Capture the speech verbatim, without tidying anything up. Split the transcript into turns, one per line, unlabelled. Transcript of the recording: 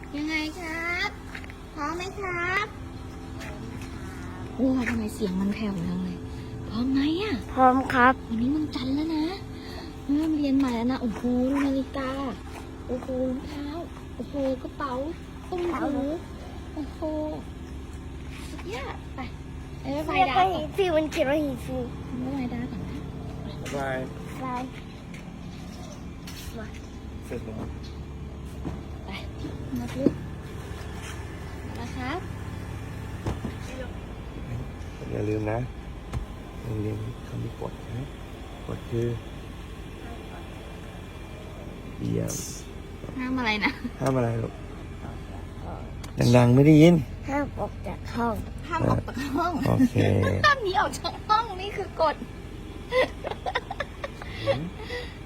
ยังไงครับพร้อมไหมครับโอ้ทำไมเสียงมันแผ่วจังเลยพร้อมไหมอ่ะ
พร้อมครับ
วันนี้มันจันทร์แล้วนะเริ่มเรียนใหม่แล้วนะโอ้โหนาฬิกาโอ้โหรองเท้าโอ้โหกระเป๋าตุ้มหูโอ้โหสุดยอดไปเอ้ยไฟ
เรียก
ดา
ว่า
ก่อ
หี
น
ฟิวมันเขียนว่าหีฟิว
ไม่ไฟดาก่อนนะ
บาย
ลาย
เสร็จแล้ว
ไปมาดูนะครับ
อย่าลืมนะอย่าลืมคำที่กดนะกดคือเยี่ยม
ห้ามอะไรนะ
ห้ามอะไรลูกดังๆไม่ได้ยิน
ห้ามออกจากห้อง
ห้ามออกจากห้อง
โอเค
ห้ามหนีออกจากห้องนี่คือกฎ